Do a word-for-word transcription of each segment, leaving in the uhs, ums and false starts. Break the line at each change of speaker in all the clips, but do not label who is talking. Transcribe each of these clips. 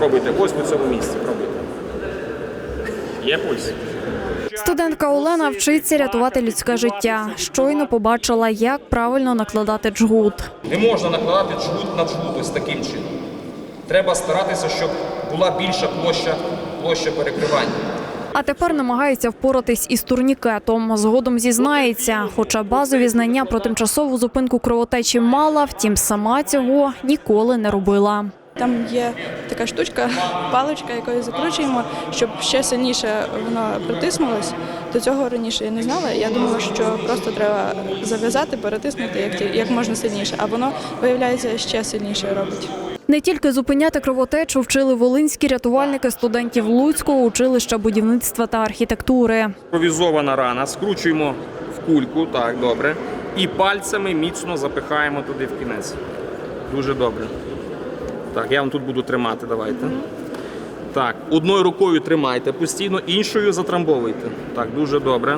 Пробуйте, ось на цьому місці, пробуйте. Є пульс?
Студентка Олена вчиться рятувати людське життя. Щойно побачила, як правильно накладати джгут.
Не можна накладати джгут на джгут ось таким чином. Треба старатися, щоб була більша площа, площа перекривання.
А тепер намагається впоратись із турнікетом. Згодом зізнається, хоча базові знання про тимчасову зупинку кровотечі мала, втім сама цього ніколи не робила.
Там є така штучка, паличка, якою закручуємо, щоб ще сильніше воно притиснулось. До цього раніше я не знала. Я думала, що просто треба зав'язати, перетиснути як, як можна сильніше, а воно, виявляється, ще сильніше робить.
Не тільки зупиняти кровотечу вчили волинські рятувальники студентів Луцького училища будівництва та архітектури.
Імпровізована рана, скручуємо в кульку, так, добре, і пальцями міцно запихаємо туди в кінець. Дуже добре. Так, я вам тут буду тримати, давайте. Так, одною рукою тримайте постійно, іншою затрамбовуйте. Так, дуже добре.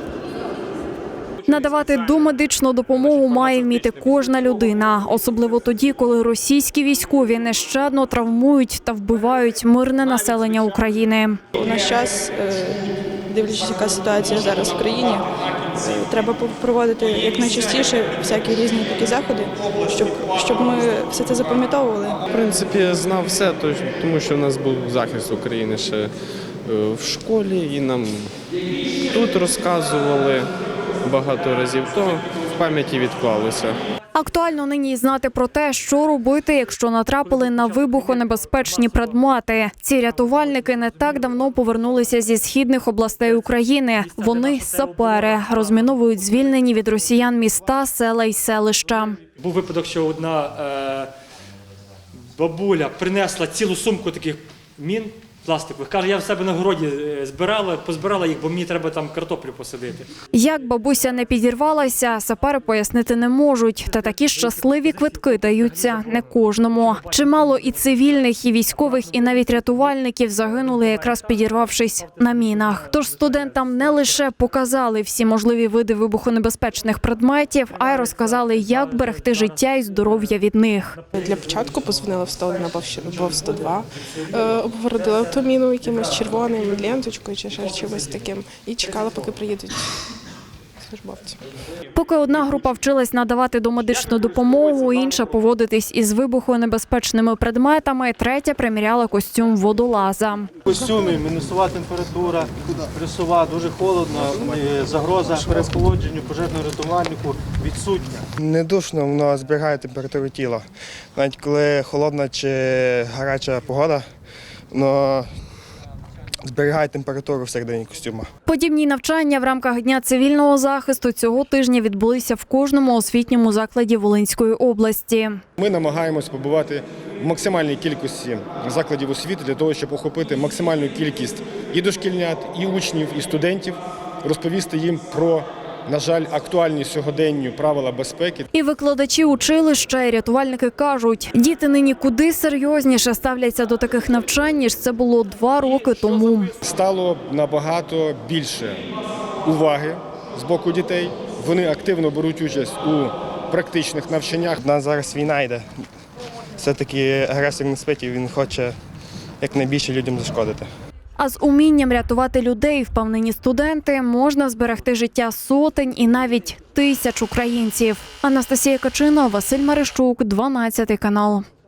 Надавати домедичну допомогу має вміти кожна людина, особливо тоді, коли російські військові нещадно травмують та вбивають мирне населення України.
У наш час, дивлячись, яка ситуація зараз в країні, треба проводити якнайчастіше всякі різні такі заходи, щоб, щоб ми все це запам'ятовували.
В принципі, я знав все, тому що в нас був захист України ще в школі, і нам тут розказували багато разів, то в пам'яті відклалося.
Актуально нині знати про те, що робити, якщо натрапили на вибухонебезпечні предмети. Ці рятувальники не так давно повернулися зі східних областей України. Вони сапери, розміновують звільнені від росіян міста, села й селища.
Був випадок, що одна е, бабуля принесла цілу сумку таких мін пластикових. Каже, я в себе на городі збирала, позбирала їх, бо мені треба там картоплю посадити.
Як бабуся не підірвалася, сапери пояснити не можуть. Та такі щасливі квитки даються не кожному. Чимало і цивільних, і військових, і навіть рятувальників загинули, якраз підірвавшись на мінах. Тож студентам не лише показали всі можливі види вибухонебезпечних предметів, а й розказали, як берегти життя і здоров'я від них.
Для початку позвонила в сто один або в сто два, обгородила ту міну якимось червоним, ленточкою чи ще чимось таким, і чекала, поки приїдуть службовці.
Поки одна група вчилась надавати домедичну допомогу, інша поводитись із вибухонебезпечними предметами, третя приміряла костюм водолаза.
В костюмі мінусова температура, плюсова, дуже холодно, загроза переохолодженню пожежно-рятувальнику відсутня.
Не душно, воно зберігає температуру тіла. Навіть коли холодна чи гаряча погода, воно зберігає температуру всередині костюма.
Подібні навчання в рамках Дня цивільного захисту цього тижня відбулися в кожному освітньому закладі Волинської області.
Ми намагаємось побувати в максимальній кількості закладів освіти для того, щоб охопити максимальну кількість і дошкільнят, і учнів, і студентів, розповісти їм про, на жаль, актуальні сьогоденню правила безпеки.
І викладачі училища, і рятувальники кажуть, діти нині куди серйозніше ставляться до таких навчань, ніж це було два роки тому.
Стало набагато більше уваги з боку дітей. Вони активно беруть участь у практичних навчаннях.
У нас зараз війна йде. Все-таки агресор не спить, і він хоче якнайбільше людям зашкодити.
А з умінням рятувати людей, впевнені студенти, можна зберегти життя сотень і навіть тисяч українців. Анастасія Качина, Василь Марищук, дванадцятий канал.